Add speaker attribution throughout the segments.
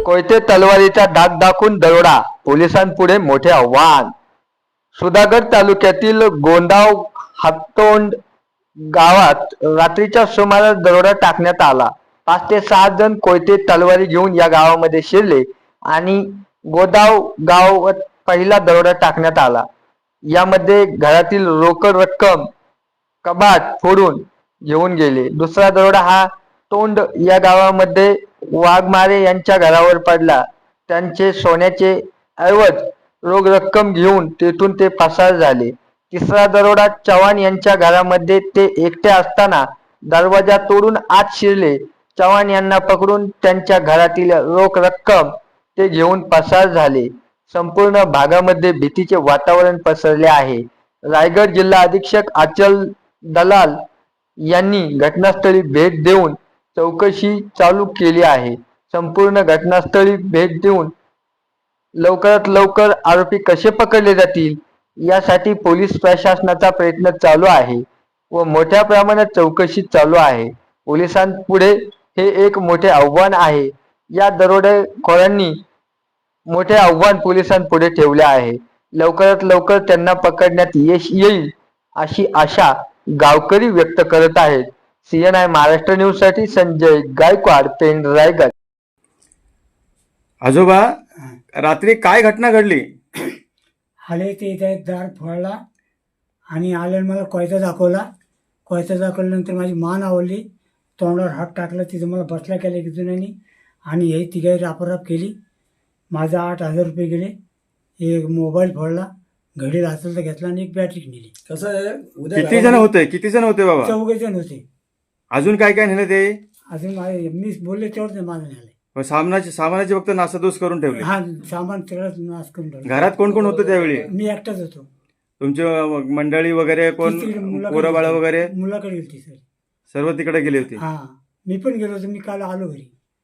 Speaker 1: कोयते तलवारीचा धाक दाखवून दरोडा, पोलिसांपुढे मोठे आव्हान. सुधागड तालुक्यातील गोंदाव हातोंड गावात रात्रीच्या सुमारास दरोडा टाकण्यात आला. 5 ते 6 जण कोयते तलवारी घेऊन या गावामध्ये शिरले आणि गोदाव गावात पहिला दरोडा टाकण्यात आला. यामध्ये घरातील रोकड रक्कम, कबाट फोडून घेऊन गेले. दुसरा दरोडा हा तोंड या गावामध्ये वाघमारे यांच्या घरावर पडला. त्यांचे सोन्याचे ऐवज रोख रक्कम घेऊन तेथून ते पसार झाले. तिसरा दरोडा चव्हाण यांच्या घरामध्ये ते एकटे असताना दरवाजा तोडून आत शिरले. चव्हाण यांना पकडून त्यांच्या घरातील रोख रक्कम ते घेऊन पसार झाले. संपूर्ण भागामध्ये भीतीचे वातावरण पसरले आहे. रायगड जिल्हा अधीक्षक अचल दलाल यांनी घटनास्थळी भेट देऊन चौकशी चालू केली आहे. संपूर्ण घटनास्थळी भेट देऊन लवकरात लवकर आरोपी कसे पकडले जातील यासाठी पोलीस प्रशासनाचा प्रयत्न चालू आहे व मोठ्या प्रमाणात चौकशी चालू आहे. पोलिसांपुढे हे एक मोठे आव्हान आहे. या दरोडेखोरांनी मोठे आव्हान पोलिसांपुढे ठेवले आहे. लवकरात लवकर त्यांना पकडण्यात यश येईल अशी आशा गावकरी व्यक्त करत आहेत. CNI महाराष्ट्र न्यूज साठी संजय गायकवाड, पेण, रायगड.
Speaker 2: आजोबा, रात्री काय घटना घडली?
Speaker 3: आले ते इथे दार फोडला आणि आल्यानं मला कोयता दाखवला. कोयता दाखवल्यानंतर माझी मान आवडली, तोंडावर हात टाकला, तिथं मला बसला केला एक जुन्यानी आणि हे तिघाही रापाराप केली. माझा 8,000 रुपये गेले. एक मोबाईल फोडला, घडी हाताचा घेतला आणि एक बॅटरी नेली.
Speaker 4: कसं आहे, उद्या
Speaker 2: किती जण होते बाबा?
Speaker 3: 4 जण होते.
Speaker 2: अजून काय काय नेलं ते?
Speaker 3: अजून मी बोलले तेवढं ते माझं नेलं.
Speaker 2: सामानाची फक्त नासाधूस करून ठेवली.
Speaker 3: हा, सामान सगळं नाश करून ठेवलं.
Speaker 2: घरात कोण कोण होतं त्यावेळी?
Speaker 3: मी एकटाच होतो.
Speaker 2: तुमची मंडळी वगैरे कोण, पोरं बाळा वगैरे?
Speaker 3: मुलाकडे गेली सर,
Speaker 2: सर्व तिकडे गेली होती.
Speaker 3: हा, मी पण गेलो होतो. मी काल आलो घरी.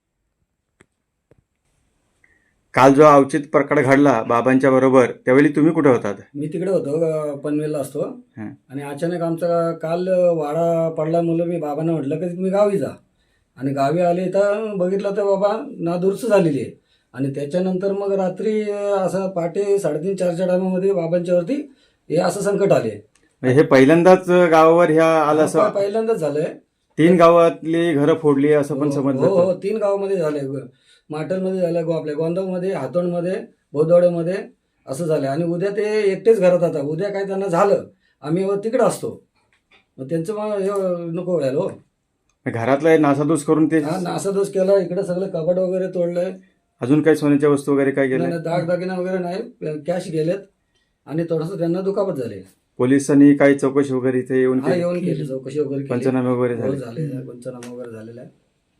Speaker 2: काल जो अवचित प्रकार घडला बाबांच्या बरोबर, त्यावेळी तुम्ही कुठे होतात?
Speaker 4: मी तिकडे होतो, पनवेलला असतो.
Speaker 2: हं.
Speaker 4: आणि अचानक आमचा काल वाडा पडला. मुलं मी बाबांना म्हटलं की तुम्ही गावी जा. आणि गावी आले तर बघितलं तर बाबा नादुरुस्त झालेली आहे. आणि त्याच्यानंतर मग रात्री असं पहाटे 3:30-4च्या टायमामध्ये बाबांच्यावरती हे असं संकट आले.
Speaker 2: हे पहिल्यांदाच गावावर ह्या आलं असं?
Speaker 4: पहिल्यांदाच झालंय.
Speaker 2: 3 गावातली घरं फोडली असं पण समजलं.
Speaker 4: हो, 3 गावामध्ये झालंय. माटलमध्ये झालं, आपल्या गोंदावमध्ये, हातोंडमध्ये, भोदवाड्यामध्ये असं झालं. आणि उद्या ते एकटेच घरात आता. उद्या काय त्यांना झालं, आम्ही तिकडं असतो, मग त्यांचं मग हे नको व्हायला. हो,
Speaker 2: घरातला नासाधूस करून ते
Speaker 4: नासादोष केला. इकडे सगळं कपाट वगैरे तोडलंय.
Speaker 2: अजून काही सोन्याच्या वस्तू वगैरे काय गेल्या?
Speaker 4: नाही, दागदागिना वगैरे नाही, कॅश गेलेत आणि थोडंसं त्यांना दुखापत झाले.
Speaker 2: पोलिसांनी काही चौकशी वगैरे इथे येऊन
Speaker 4: हा, येऊन केली, चौकशी वगैरे केली.
Speaker 2: पंचनामे वगैरे झाले?
Speaker 4: पंचनामा वगैरे झालेला आहे.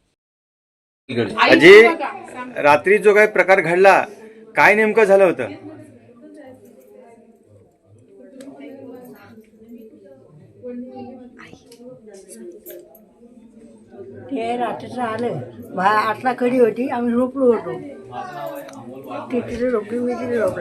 Speaker 2: अजी, रात्री जो काही प्रकार घडला, काय नेमकं झालं होतं?
Speaker 5: ते रात्रीचं आलं, 8ला कडी होती, आम्ही झोपलो होतो. ते तिथे झोपली, मी तिथे झोपले.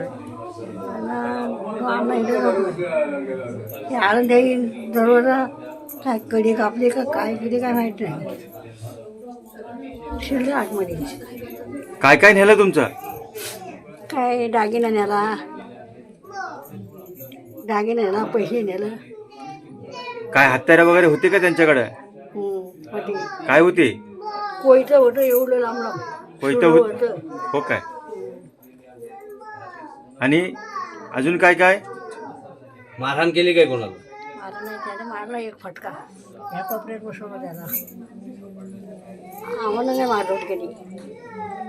Speaker 5: ते आलं ते दरवाजा काय कडी कापली का काय केली काय माहीत नाही. शिरलं आतमध्ये.
Speaker 2: काय काय नेलं तुमचं?
Speaker 5: काय दागिना नेला, पैसे नेलं.
Speaker 2: काय हत्यारं वगैरे होती का त्यांच्याकडे?
Speaker 5: होती.
Speaker 2: काय होती?
Speaker 5: कोयतं होतं, एवढं लांब लांब
Speaker 2: कोयतं
Speaker 5: होतं.
Speaker 2: हो काय? आणि अजून काय काय?
Speaker 6: मारहाण केली काय कोणाला?
Speaker 5: मारला नाही, त्याने मारला एक फटका. ह्या कोपऱ्यात बसवलं त्याला. आम्हाला नाही मारलं कधी.